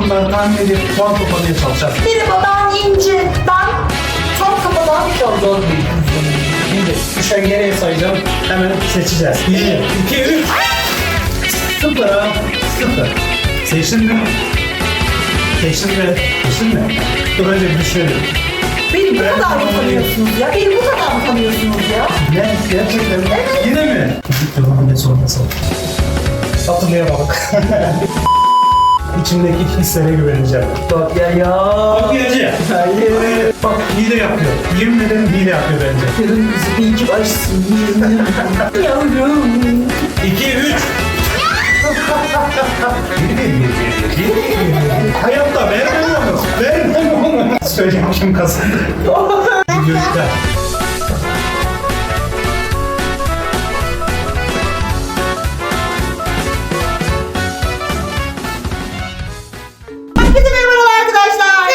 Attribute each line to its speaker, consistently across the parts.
Speaker 1: burcuları tahmin edip puan toplamaya çalışacağız.
Speaker 2: Merhaba ben İnci. Ben tam kafadan
Speaker 1: Çok zor bir kızım. Şimdi düşen geriye sayacağım. Hemen seçeceğiz. 1, 2, 3. 0. 0. Seçtin mi? Seçtin mi? Seçtin mi? Dur önce bir düşünelim.
Speaker 2: beni bu kadar mı tanıyorsunuz ya? Beni bu kadar mı tanıyorsunuz ya?
Speaker 1: Ne? Gerçekten mi? Yine mi? Tamam, ne sorması oldu? Hatırlayamadık. İçimdeki hislere güveneceğim.
Speaker 2: Bak ya.
Speaker 1: Bak hileci.
Speaker 2: Hayır.
Speaker 1: Bak hile yapıyor. Yemin ederim hile yapıyor bence.
Speaker 2: Yarın bizi bir iki başsın. Yavrum.
Speaker 1: 2, 3. Hayatta vermem onu. Vermem onu. Söylemişim kazandı. Görüşler.
Speaker 2: Herkese merhabalar arkadaşlar.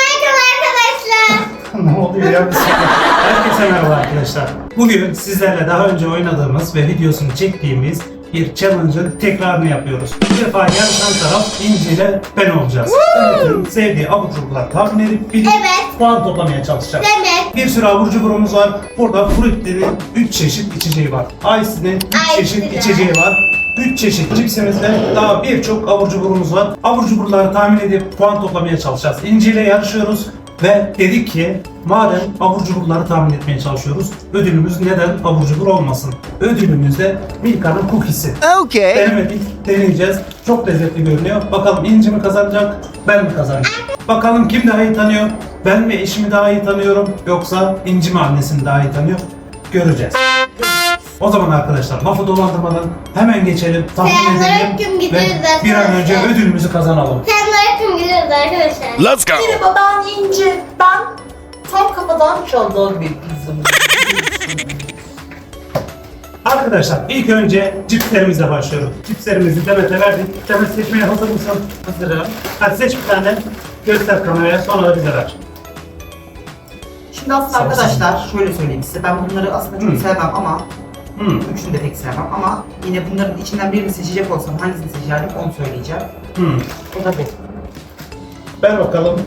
Speaker 1: Ne oluyor ya? Herkese merhaba arkadaşlar. Bugün sizlerle daha önce oynadığımız ve videosunu çektiğimiz bir challenge'ın tekrarını yapıyoruz. Bu defa yarışan taraf İnci ile ben olacağız. Demet'in sevdiği abur cuburlar tahmin edip bilip puan toplamaya çalışacağız. Bir sürü abur cuburumuz var. Burada Fruitli'nin 3 çeşit içeceği var. Ice'nin 3 çeşit içeceği var. 3 çeşit cipsimizde daha birçok abur cuburumuz var. Abur cuburları tahmin edip puan toplamaya çalışacağız. İnci ile yarışıyoruz. Ve dedik ki madem abur cuburları tahmin etmeye çalışıyoruz, ödülümüz neden abur cubur olmasın? Ödülümüz de Milka'nın cookie'si.
Speaker 3: Okay.
Speaker 1: Denemedik, deneyeceğiz. Çok lezzetli görünüyor. Bakalım İnci mi kazanacak, ben mi kazanacağım? Bakalım kim daha iyi tanıyor? Ben mi eşimi daha iyi tanıyorum, yoksa İnci mi annesini daha iyi tanıyor? Göreceğiz. O zaman arkadaşlar lafı dolandırmadan hemen geçelim, tahmin edelim ve bir an önce ödülümüzü kazanalım.
Speaker 3: Let's go.
Speaker 2: Merhaba ben İnci. Ben tam kafadan çaldan bir kızım.
Speaker 1: Arkadaşlar ilk önce cipslerimizle başlıyoruz. Cipslerimizi Demet'e verdik. Demet seçmeye hazır mısın? Hazırım. Hadi seç bir tane. Göster kameraya, sonra da bize ver.
Speaker 4: Şimdi aslında arkadaşlar şöyle söyleyeyim size, ben bunları aslında çok sevmem ama üçünü de pek sevmem ama yine bunların içinden birini seçecek olsam hangisini seçerdim onu söyleyeceğim. O da bu.
Speaker 1: Ver bakalım.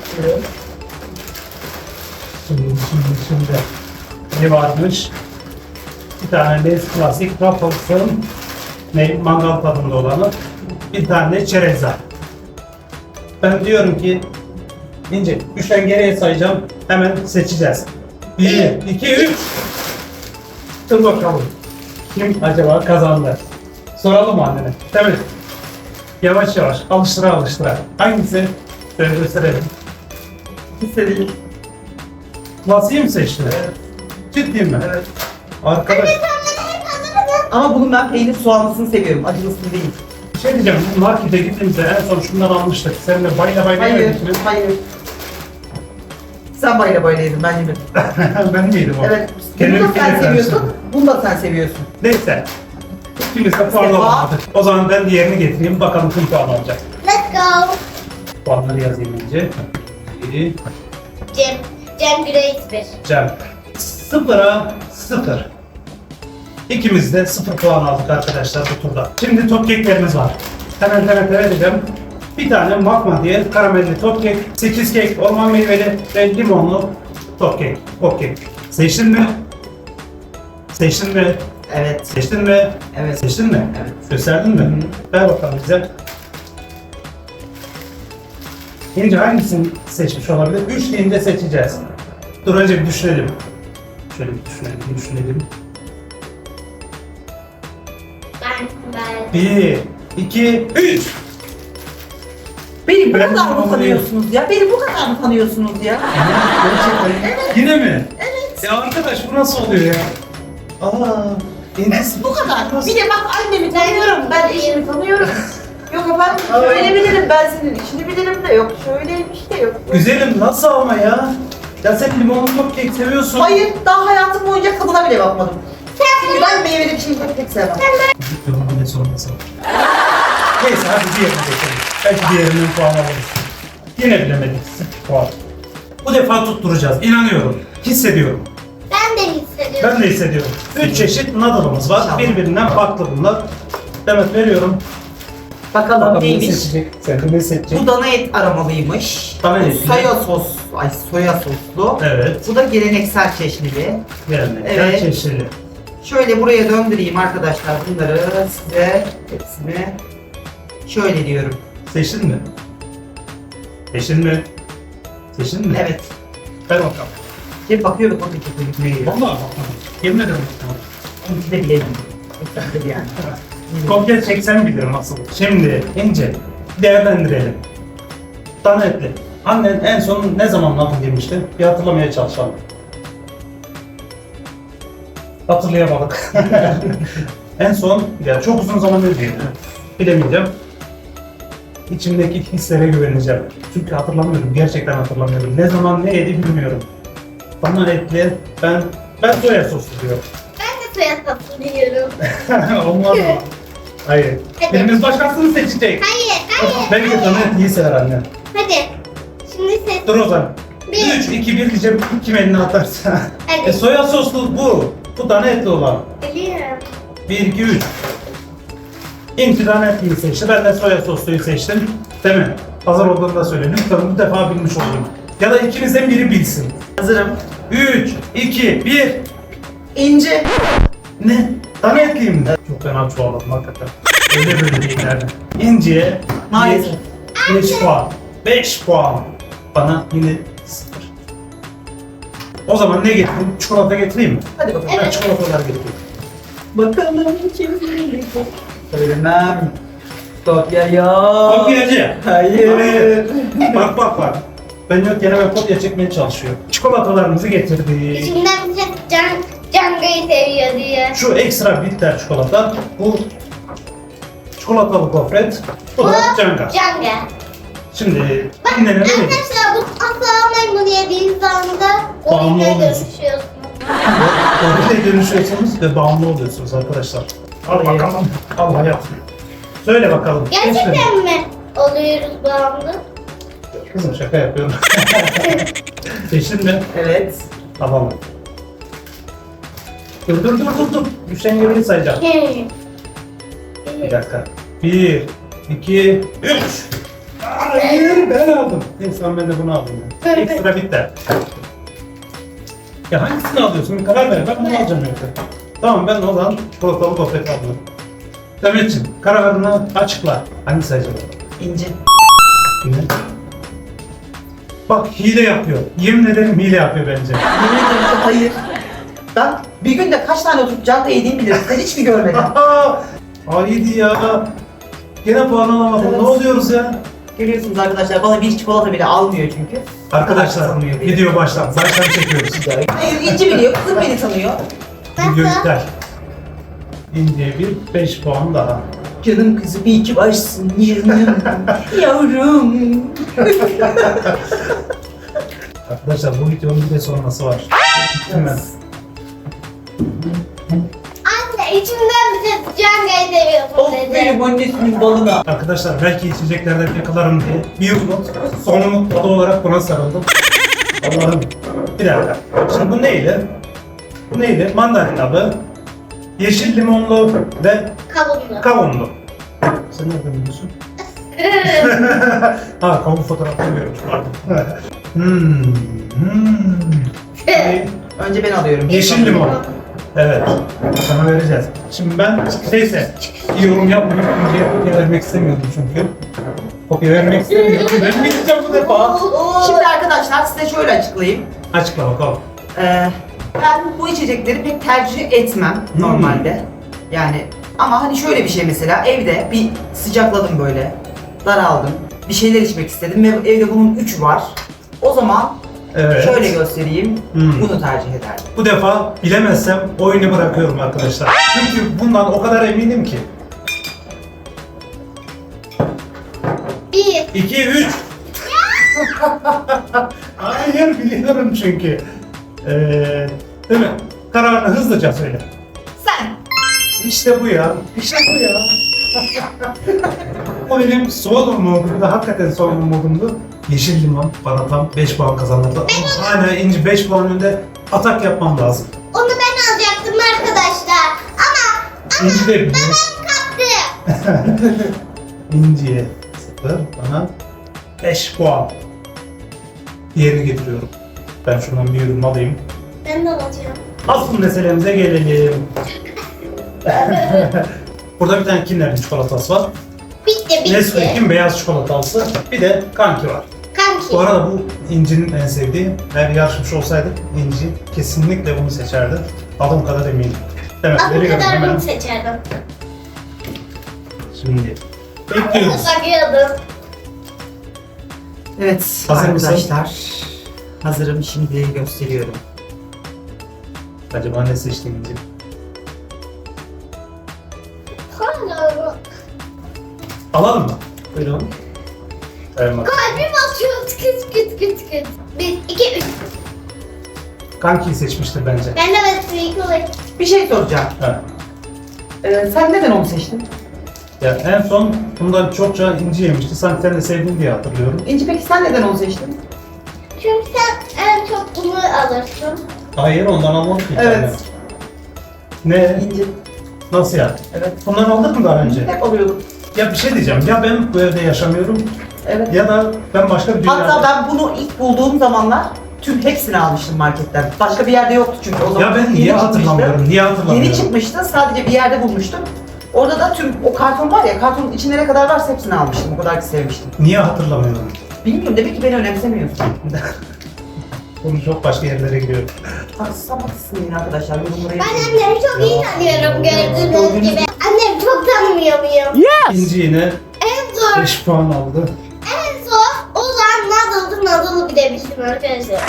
Speaker 1: Şimdi. Ne varmış? Bir tane Lay's Classic Ruffles'ın mangal tadında olanı. Bir tane çerezler. Ben diyorum ki İnce, 3'ten geriye sayacağım. Hemen seçeceğiz. 1, 2, 3. Dur bakalım. Kim acaba kazandı? Soralım mı annene? Tabii. Yavaş yavaş, alıştıra alıştıra. Hangisi? Şöyle gösterelim. İstediğin. Nasıl mı seçtin? Evet. Ciddi mi? Evet. Arkadaş.
Speaker 4: Ama bunun ben peynir soğanlısını seviyorum, acılısını değil.
Speaker 1: Bir şey diyeceğim, bu markete gittiğimizde en son şundan almıştık. Seninle bayla bayla
Speaker 4: Hayır,
Speaker 1: yemedik mi?
Speaker 4: hayır. Sen bayla bayla yedin, ben yemedim.
Speaker 1: Ben yedim o.
Speaker 4: Evet, bunu
Speaker 1: Kendimi
Speaker 4: da sen
Speaker 1: kirletmemiştim.
Speaker 4: seviyorsun, bunu da sen seviyorsun.
Speaker 1: Neyse. İkimiz de puan alamadık. O zaman ben diğerini getireyim, bakalım kim puan alacak. Puanları yazayım önce. Bir,
Speaker 5: Cem Grade 1.
Speaker 1: Cem. 0'a 0. İkimiz de 0 puan aldık arkadaşlar bu turda. Şimdi top keklerimiz var. Hemen vereceğim. Bir tane Makma diye karamelli top kek, 8 kek, orman meyveli ve limonlu top kek. Okey. Seçtin mi? Seçtin mi?
Speaker 4: Evet.
Speaker 1: Seçtin mi?
Speaker 4: Evet.
Speaker 1: Seçtin mi?
Speaker 4: Evet.
Speaker 1: Gösterdin mi? Ver bakalım bize. İnce hangisini seçmiş olabilir? 3 deyince seçeceğiz. Dur önce bir düşünelim. Şöyle bir düşünelim.
Speaker 5: Ben.
Speaker 1: 1, 2, 3.
Speaker 2: Beni bu
Speaker 1: Ben
Speaker 2: kadar mı
Speaker 1: tanıyorum.
Speaker 2: tanıyorsunuz ya? Beni bu kadar mı tanıyorsunuz ya?
Speaker 1: Gerçekten. Yine mi? Evet. Ya arkadaş bu nasıl oluyor ya? İnce
Speaker 2: Bu kadar. Bir de bak annemi tanıyorum, ben eşimi tanıyorum. Yok efendim, şöyle bilirim, ben senin işini bilirim de yok, şöyleymiş de yok.
Speaker 1: Güzelim nasıl ama ya? Ya sen limonlu top kek seviyorsun.
Speaker 4: Hayır, daha hayatım boyunca tadına bile bakmadım. Çünkü ben meyveli bir şey pek sevmem.
Speaker 1: Ne sorması? Neyse hadi diğerine geçelim. Belki diğerinden puan alırız. Yine bilemedik. 0 puan. Bu defa tutturacağız. İnanıyorum. Hissediyorum.
Speaker 5: Ben de hissediyorum.
Speaker 1: Ben de hissediyorum. 3 çeşit noodle'ımız var.
Speaker 4: İnşallah.
Speaker 1: Birbirinden farklı bunlar. Demet veriyorum.
Speaker 4: Bakalım
Speaker 1: Bakalım ne
Speaker 4: neymiş?
Speaker 1: seçecek? Sen de ne seçecek?
Speaker 4: Bu dana et aromalıymış.
Speaker 1: Dana
Speaker 4: Bu
Speaker 1: eti.
Speaker 4: soya soslu.
Speaker 1: Evet.
Speaker 4: Bu da geleneksel çeşnili.
Speaker 1: Yani
Speaker 4: Evet.
Speaker 1: çeşitli.
Speaker 4: Şöyle buraya döndüreyim arkadaşlar bunları size hepsini. Şöyle diyorum.
Speaker 1: Seçtin mi? Seçtin mi? Seçtin mi?
Speaker 4: Evet.
Speaker 1: Ver bakalım.
Speaker 4: Şimdi bakıyorum o da çok
Speaker 1: Vallahi bakalım. Yemin ederim bakalım.
Speaker 4: Onunki de bilelim. Hepsi de yani.
Speaker 1: Kopya çeksen bilirim asıl. Şimdi ince değerlendirelim. Dana etli. Annen en son ne zaman lafı demişti? Bir hatırlamaya çalışalım. Hatırlayamadık. En son, ya çok uzun zaman önce bilemeyeceğim. İçimdeki hislere güveneceğim. Çünkü hatırlamıyorum, gerçekten hatırlamıyorum. Ne zaman ne yedi bilmiyorum. Dana etli, ben soya soslu diyorum.
Speaker 5: Ben de soya soslu diyorum.
Speaker 1: Olmaz mı? Hayır.
Speaker 5: Hadi.
Speaker 1: Birimiz başkasını seçecek.
Speaker 5: Hayır, hayır.
Speaker 1: Belki de dana etliyi sever annem.
Speaker 5: Hadi. Şimdi ses.
Speaker 1: Dur o zaman.
Speaker 5: Bir.
Speaker 1: 3, 2, 1 diyeceğim. Kim elini atarsa.
Speaker 5: Hadi.
Speaker 1: Soya soslu bu. Bu dana etli olan.
Speaker 5: Biliyorum.
Speaker 1: 1, 2, 3. İnci dana etliyi seçti. Ben de soya sosluyu seçtim. Değil mi? Hazır olduğunu da söyle. Lütfen bu defa bilmiş olayım. Ya da ikinizden biri bilsin.
Speaker 4: Hazırım.
Speaker 1: 3, 2, 1.
Speaker 4: İnci.
Speaker 1: Ne? Dana etliyim mi? Çok fena çoğaladım hakikaten. Öyle böyle değil yani. İnci'ye
Speaker 4: Maalesef.
Speaker 1: 5 puan. 5 puan. Bana yine 0. O zaman ne getireyim? Çikolata getireyim mi?
Speaker 4: Hadi bakalım.
Speaker 1: Ben çikolatalar getireyim.
Speaker 4: Bakalım kim bilecek? Söylemem. Kopya yok.
Speaker 1: Kopyacı.
Speaker 4: Hayır.
Speaker 1: Bak. Ben yok yine ben kopya çekmeye çalışıyor. Çikolatalarımızı getirdik.
Speaker 5: İçimden bir ses Canga'yı seviyor diye.
Speaker 1: Şu ekstra bitter çikolata. Bu çikolatalı gofret. Bu da canga.
Speaker 5: Canga.
Speaker 1: Şimdi
Speaker 5: Bak
Speaker 1: annene ne dedik?
Speaker 5: arkadaşlar bu asla almayın bunu yediğiniz anda
Speaker 1: Bağımlı
Speaker 5: gorille
Speaker 1: oluyorsun.
Speaker 5: dönüşüyorsunuz.
Speaker 1: Oraya dönüşüyorsunuz ve bağımlı oluyorsunuz arkadaşlar. Al
Speaker 4: Hayır.
Speaker 1: bakalım. Al hayatım. Söyle bakalım.
Speaker 5: Gerçekten mi oluyoruz bağımlı?
Speaker 1: Kızım şaka yapıyorum. Seçtin mi?
Speaker 4: Evet.
Speaker 1: Tamam. Dur. Düşen yerini sayacağım. Bir dakika. 1, 2, 3. Hayır ben aldım. Neyse ben de bunu aldım. Ekstra bitter. Ya hangisini alıyorsun? Bir karar ver. Ben bunu alacağım yoksa. Tamam ben o zaman çikolatalı gofret aldım. Demetciğim kararını açıkla. Hangisi acaba?
Speaker 4: İnci.
Speaker 1: Yine. Bak hile yapıyor. Yemin ederim hile yapıyor bence.
Speaker 4: Yemin ederim ki hayır. Ben bir günde kaç tane oturup canta yediğimi bilirim. Sen hiç mi görmedin?
Speaker 1: Haydi ya. Gene puan alamadım.
Speaker 4: Evet.
Speaker 1: Ne oluyoruz ya?
Speaker 4: Görüyorsunuz arkadaşlar bana bir çikolata bile almıyor çünkü.
Speaker 1: Arkadaşlar
Speaker 4: Tanımıyor beni.
Speaker 1: video baştan çekiyoruz.
Speaker 4: Hayır İnci biliyor, kızım beni tanıyor.
Speaker 1: Video iptal. İndiye bir 5 puan daha.
Speaker 4: Canım kızım iyi ki varsın canım. Yavrum.
Speaker 1: Arkadaşlar bu videonun bir de sonrası var. Gittim ben.
Speaker 5: Anne içimden bir ses Canga'yı seviyorsun
Speaker 4: Of
Speaker 5: dedi.
Speaker 4: benim annesinin balına.
Speaker 1: Arkadaşlar belki içeceklerden yakalarım diye bir umut, son umut tadı olarak buna sarıldım. Allah'ım. Bir dakika. Şimdi bu neydi? Bu neydi? Mandalinalı, yeşil limonlu ve
Speaker 5: Kavunlu.
Speaker 1: kavunlu. Sen nereden biliyorsun? Ha kavun fotoğrafını görmüş pardon.
Speaker 4: Önce ben alıyorum.
Speaker 1: Yeşil limon. Evet. Sana vereceğiz. Şimdi ben neyse yorum yapmayayım. Kopya vermek istemiyordum çünkü. Kopya vermek istemiyordum. Vermeyeceğim bu defa.
Speaker 4: Şimdi arkadaşlar size şöyle açıklayayım.
Speaker 1: Açıkla bakalım.
Speaker 4: Ben bu içecekleri pek tercih etmem normalde. Yani ama hani şöyle bir şey mesela evde bir sıcakladım böyle. Daraldım. Bir şeyler içmek istedim ve evde bunun 3 var. O zaman
Speaker 1: Evet.
Speaker 4: şöyle göstereyim. Bunu tercih ederdim.
Speaker 1: Bu defa bilemezsem oyunu bırakıyorum arkadaşlar. Çünkü bundan o kadar eminim ki.
Speaker 5: 1.
Speaker 1: 2, 3. Hayır biliyorum çünkü. Değil mi? Kararını hızlıca söyle.
Speaker 4: Sen.
Speaker 1: İşte bu ya. İşte bu ya. O benim son umudumdu. Hakikaten son umudumdu. Yeşil limon bana tam 5 puan kazandırdı. Ama hala İnci 5 puan önde atak yapmam lazım.
Speaker 5: Onu ben alacaktım arkadaşlar. Ama
Speaker 1: İnci de biliyor.
Speaker 5: kaptı.
Speaker 1: İnci'ye 0, bana 5 puan. Diğerini getiriyorum. Ben şundan bir ürün alayım.
Speaker 5: Ben de alacağım.
Speaker 1: Asıl meselemize gelelim. Burada bir tane Kinder'in çikolatası var.
Speaker 5: Bitti.
Speaker 1: Nesquik'in beyaz çikolatası. Bir de Kanki var.
Speaker 5: Kanki.
Speaker 1: Bu arada bu İnci'nin en sevdiği. Eğer yarışmış olsaydık İnci kesinlikle bunu seçerdi. Adım kadar eminim. Demek
Speaker 5: Adım
Speaker 1: veriyorum
Speaker 5: kadar
Speaker 1: hemen.
Speaker 5: bunu seçerdim.
Speaker 1: Şimdi bekliyoruz.
Speaker 5: Bakıyordum.
Speaker 4: Evet
Speaker 1: Hazır mısın?
Speaker 4: arkadaşlar. Hazırım, şimdi gösteriyorum.
Speaker 1: Acaba ne seçti İnci?
Speaker 5: Hala
Speaker 1: Alalım mı? Buyurun. Tamam.
Speaker 5: kalbim atıyor tıkıt tıkıt tıkıt tıkıt. 1, 2, 3.
Speaker 1: Kanki'yi seçmiştir bence.
Speaker 5: Ben de Nesquik olayım.
Speaker 4: Bir şey soracağım.
Speaker 1: Ha.
Speaker 4: Sen neden onu seçtin?
Speaker 1: Ya en son bundan çokça İnci yemişti. Sanki sen de sevdin diye hatırlıyorum.
Speaker 4: İnci, peki sen neden onu seçtin?
Speaker 5: Çünkü sen en çok bunu alırsın.
Speaker 1: Hayır, ondan almadık ki.
Speaker 4: Evet.
Speaker 1: Yani. Ne?
Speaker 4: İnci.
Speaker 1: Nasıl ya?
Speaker 4: Evet.
Speaker 1: Bundan aldık mı daha önce?
Speaker 4: Hep alıyordum.
Speaker 1: Ya bir şey diyeceğim. Ya ben bu evde yaşamıyorum
Speaker 4: Evet.
Speaker 1: ya da ben başka bir dünyada...
Speaker 4: Hatta ben bunu ilk bulduğum zamanlar tüm hepsini almıştım marketten. Başka bir yerde yoktu çünkü o zaman.
Speaker 1: Ya ben
Speaker 4: yeni
Speaker 1: niye
Speaker 4: çıkmıştı.
Speaker 1: hatırlamıyorum? Niye hatırlamıyorum?
Speaker 4: Yeni çıkmıştı, sadece bir yerde bulmuştum. Orada da tüm o karton var ya, kartonun içinde ne kadar varsa hepsini almıştım. O kadar ki sevmiştim.
Speaker 1: Niye hatırlamıyorum?
Speaker 4: Bilmiyorum, demek ki beni önemsemiyorsun.
Speaker 1: Bunu çok başka yerlere gidiyor.
Speaker 4: Sapatsın yine arkadaşlar, yorumlara
Speaker 5: Ben
Speaker 4: yazın.
Speaker 5: annemi çok iyi tanıyorum gördüğünüz gibi. Annemi çok tanımıyor muyum?
Speaker 1: İnci yine
Speaker 5: En zor,
Speaker 1: 5 puan aldı.
Speaker 5: en zor olan Nadal'ı bilebildim arkadaşlar.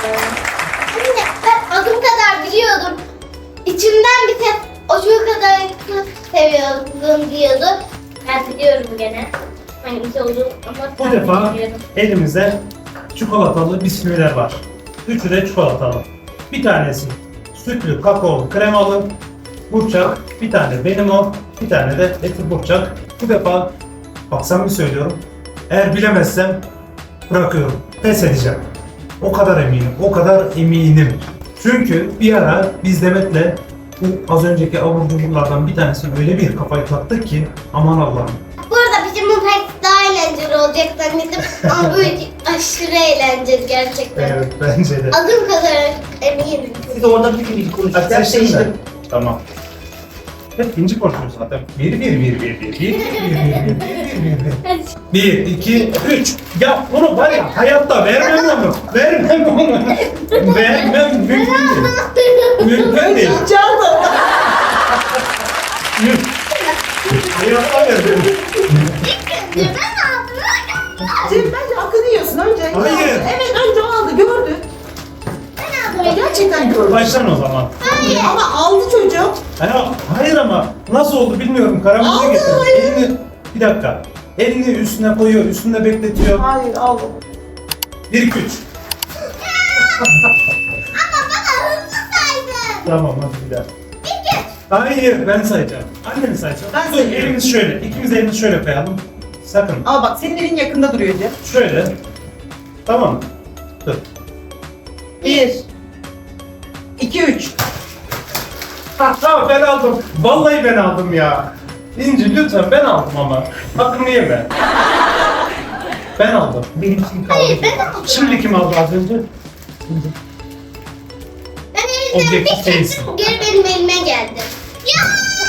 Speaker 5: Anne ben adım kadar biliyordum. İçimden bir tek o çocuk kadar seviyordum diyordu. Ben biliyorum gene. Hangisi olduğunu ama
Speaker 1: Bu
Speaker 5: tam
Speaker 1: defa
Speaker 5: bilmiyorum.
Speaker 1: elimizde çikolatalı bisküviler var. Üçü de çikolatalı. Bir tanesi sütlü, kakaolu, kremalı, burçak. Bir tane benim o, bir tane de eti burçak. Bu defa bak samimi söylüyorum. Eğer bilemezsem bırakıyorum. Pes edeceğim. O kadar eminim, o kadar eminim. Çünkü bir ara biz Demet'le bu az önceki abur cuburlardan bir tanesini öyle bir kafayı taktık ki aman Allah'ım.
Speaker 5: Bu arada bizim bu pek daha eğlenceli olacak zannettim. Ama böyle aşırı eğlenceli gerçekten.
Speaker 1: Evet bence de.
Speaker 5: Adım kadar eminim.
Speaker 4: Siz orada bir konuştuk.
Speaker 1: Hadi
Speaker 4: Ben
Speaker 1: seçtim
Speaker 4: seçtim.
Speaker 1: Tamam. Hep inci konuşuyoruz zaten. 1, 2, 3. Ya bunu var ya hayatta vermem onu. Vermem onu. Vermem mümkün değil. Mümkün değil.
Speaker 4: Çaldım.
Speaker 1: Hayatta vermem.
Speaker 5: Ben aldım.
Speaker 4: Cem, bence hakkını yiyorsun önce.
Speaker 1: Hayır.
Speaker 4: Evet, önce o aldı, gördü.
Speaker 5: Ben aldım.
Speaker 4: Gerçekten gördü.
Speaker 1: Baştan o zaman.
Speaker 4: Ama aldı çocuk.
Speaker 1: Hayır ama nasıl oldu bilmiyorum. Karamelize
Speaker 4: Aldı,
Speaker 1: getirdi.
Speaker 4: hayır.
Speaker 1: Elini, bir dakika. Elini üstüne koyuyor, üstünde bekletiyor.
Speaker 4: Hayır, aldı.
Speaker 1: 1, 2, 3.
Speaker 5: Ama bana hızlı saydın.
Speaker 1: Tamam hadi bir daha.
Speaker 5: İki.
Speaker 1: Hayır ben sayacağım. Anneni sayacağım.
Speaker 4: Ben
Speaker 1: Dur,
Speaker 4: sayıyorum.
Speaker 1: elimiz şöyle. İkimiz elimizi şöyle koyalım. Sakın.
Speaker 4: Ama bak, senin elin yakında duruyor Cem.
Speaker 1: Şöyle. Tamam mı? Dur.
Speaker 4: 1, 2, 3.
Speaker 1: Tamam ben aldım. Vallahi ben aldım ya. İnci lütfen ben aldım ama. Hakkımı yeme. Ben aldım. Benim kim kaldı?
Speaker 5: Hayır, ben aldım.
Speaker 1: Şimdi kim aldı az önce?
Speaker 5: Ben elimden bir
Speaker 1: Objektif değilsin.
Speaker 5: çektim. Geri benim elime geldi. Ya!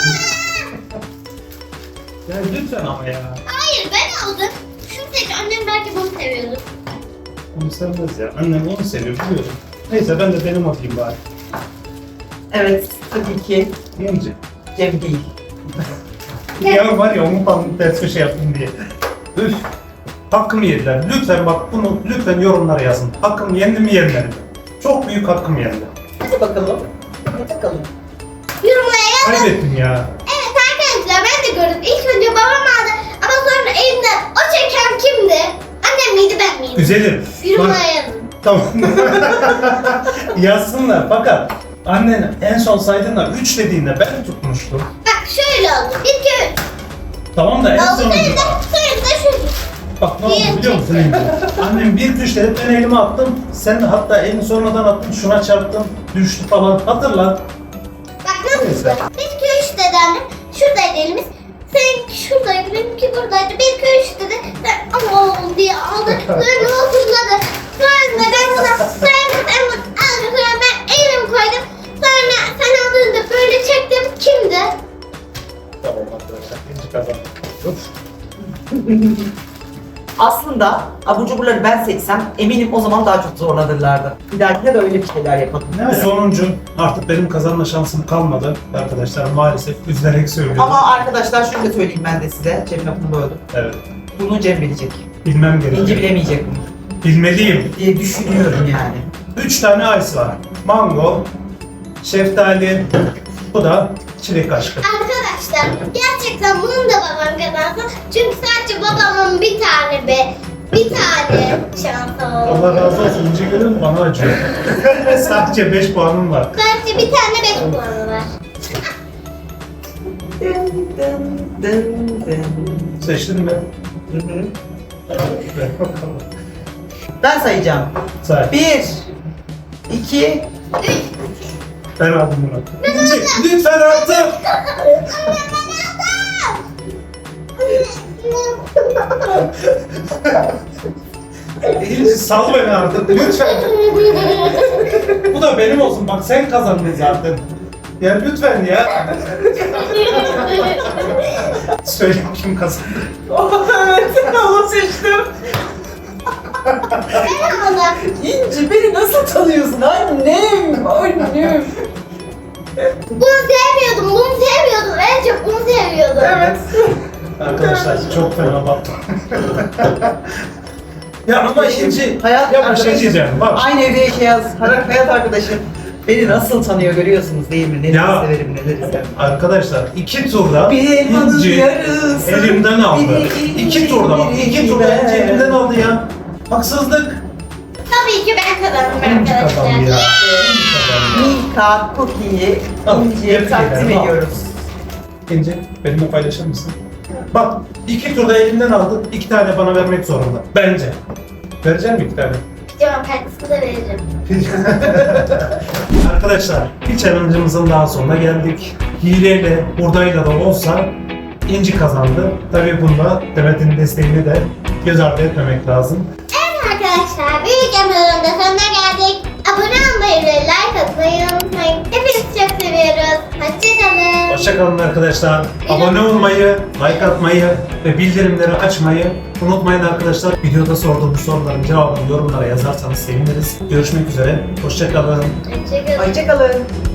Speaker 1: Ya lütfen ama ya.
Speaker 5: Hayır ben aldım. Şunu seç. Annem belki bunu seviyordu.
Speaker 1: Onu sevmez ya. Annem onu seviyor biliyorum. Neyse ben de benim alayım bari.
Speaker 4: Evet, tabii ki
Speaker 1: İnci.
Speaker 4: Cem değil.
Speaker 1: Ya var ya onu ters köşe yaptım diye. Üf. Hakkımı yediler. Lütfen bak bunu lütfen yorumlara yazın. Hakkımı yendi mi yenmedi mi? Çok büyük hakkım yendi.
Speaker 4: Hadi bakalım. Hadi bakalım.
Speaker 5: Yorumlara yazın.
Speaker 1: Kaybettim ya.
Speaker 5: Evet arkadaşlar ben de gördüm. İlk önce babam aldı ama sonra elimden o çeken kimdi? Annem miydi ben miydim?
Speaker 1: Güzelim.
Speaker 5: Yorumlara
Speaker 1: Bak-
Speaker 5: yazın.
Speaker 1: Tamam. Yazsınlar fakat annen en son saydığında 3 dediğinde ben tutmuştum.
Speaker 5: Bak şöyle oldu. 1, 2, 3.
Speaker 1: Tamam da en
Speaker 5: Oldu
Speaker 1: sonunda.
Speaker 5: sayıda. Sayıda şöyle.
Speaker 1: Bak ne oldu biliyor musun İnci? Annem 1, 2, 3 dedi ben elime attım. Sen de hatta elini sonradan attın şuna çarptın. Düştü falan. Hatırla.
Speaker 5: Bak nasıl?
Speaker 1: Neyse.
Speaker 5: 1, 2, 3 dedi annem. Şuradaydı elimiz. Seninki şuradaydı. Benimki 2 buradaydı. 1, 2, 3 dedi. Ben ama diye aldı. Sonra oturladı. Sonra ben sana ben elim koydum. Sonra sen aldığında böyle çektim. Kimdi?
Speaker 1: Tamam arkadaşlar. İnci kazandı.
Speaker 4: Aslında abur cuburları ben seçsem eminim o zaman daha çok zorlanırlardı. Bir dahakine de öyle bir şeyler yapalım.
Speaker 1: Bu sonuncu. Artık benim kazanma şansım kalmadı. Arkadaşlar maalesef üzülerek söylüyorum.
Speaker 4: Ama arkadaşlar şunu da söyleyeyim ben de size. Cem lafını böldüm.
Speaker 1: Evet.
Speaker 4: Bunu Cem bilecek.
Speaker 1: Bilmem gerekiyor.
Speaker 4: İnci bilemeyecek bunu
Speaker 1: Bilmeliyim.
Speaker 4: diye düşünüyorum yani.
Speaker 1: 3 tane ice var. Mango, şeftali, bu da çilek aşkı.
Speaker 5: Arkadaşlar gerçekten bunu da babam kazansın. Çünkü sadece babamın bir tane şansı oldu.
Speaker 1: Allah razı olsun. İnce görüyor musun? Bana acıyor. Sadece 5 puanım var.
Speaker 5: Sadece bir tane 5 puanı var.
Speaker 4: Dın dın dın dın.
Speaker 1: Seçtin mi?
Speaker 4: Hı hı.
Speaker 1: Ver bakalım.
Speaker 4: Ben sayacağım.
Speaker 1: Say.
Speaker 4: 1 2
Speaker 1: Ben aldım bunu. İnci, lütfen artık. İnci sal beni artık. Lütfen. Bu da benim olsun. Bak sen kazandın zaten. Ya lütfen ya. Söyle kim kazandı?
Speaker 4: Evet, onu seçtim.
Speaker 5: Ben aldım.
Speaker 4: İnci beni nasıl tanıyorsun annem? Annem.
Speaker 5: Bunu sevmiyordum. En çok bunu seviyordum.
Speaker 4: Evet.
Speaker 1: Arkadaşlar çok fena battım. Ya ama İnci,
Speaker 4: Hayat
Speaker 1: ya bir şey
Speaker 4: arkadaşım.
Speaker 1: diyeceğim bak.
Speaker 4: Aynı evde yaşayan hayat arkadaşım beni nasıl tanıyor görüyorsunuz değil mi? Neleri
Speaker 1: Ya.
Speaker 4: severim, neleri sevmem.
Speaker 1: Arkadaşlar 2 turda
Speaker 4: Bir elmanın
Speaker 1: İnci
Speaker 4: yarısı,
Speaker 1: elimden aldı.
Speaker 4: biri
Speaker 1: 2 turda bak. 2 turda
Speaker 4: ben.
Speaker 1: İnci elimden aldı ya. Haksızlık.
Speaker 5: Tabii ki ben kazandım
Speaker 1: İnci kazandı ya.
Speaker 5: arkadaşlar.
Speaker 1: İnci kazandı.
Speaker 4: Milka Cookie'yi
Speaker 1: Al,
Speaker 4: İnci'ye
Speaker 1: tebrik
Speaker 4: takdim
Speaker 1: ederim, al.
Speaker 4: ediyoruz.
Speaker 1: İnci benimle paylaşır mısın? Bak 2 turda elimden aldı. 2 tane bana vermek zorunda. Bence. Vereceğim mi 2 tane?
Speaker 5: Cevap katkısı da veririm.
Speaker 1: Arkadaşlar bir challenge'ımızın daha sonuna geldik. Hileyle, hurdayla da olsa İnci kazandı. Tabii bunda Demet'in desteğini de göz ardı etmemek lazım.
Speaker 5: Evet arkadaşlar, bir videomuzun da sonuna geldik. Abone olmayı ve like atmayı unutmayın. Hepinizi çok seviyoruz. Hoşçakalın.
Speaker 1: Hoşçakalın arkadaşlar. Abone olmayı, like atmayı ve bildirimleri açmayı unutmayın arkadaşlar. Videoda sorduğumuz soruların cevabını yorumlara yazarsanız seviniriz. Görüşmek üzere. Hoşçakalın.
Speaker 5: Hoşçakalın.
Speaker 4: Hoşçakalın.